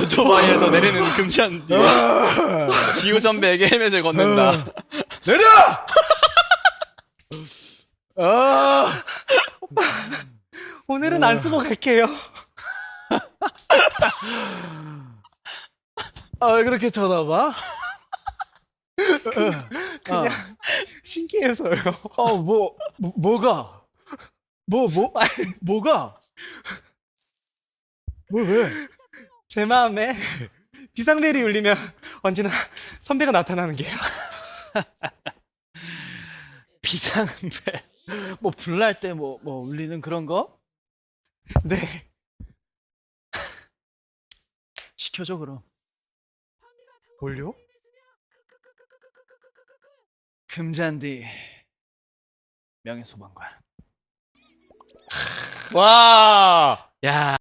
오토바이에서 내리는 금잔디. 지우 선배에게 헬멧을 건넨다. 내려! 아, 오늘은 안 쓰고 갈게요. 왜 그렇게 쳐다봐? 그냥 신기해서요. 뭐가? 뭐가? 왜? 제 마음에 비상벨이 울리면 언제나 선배가 나타나는 게요. 비상벨. 불날 때 울리는 그런 거? 네. 시켜줘 그럼. 뭘요? 금잔디 명예소방관. 와. 야.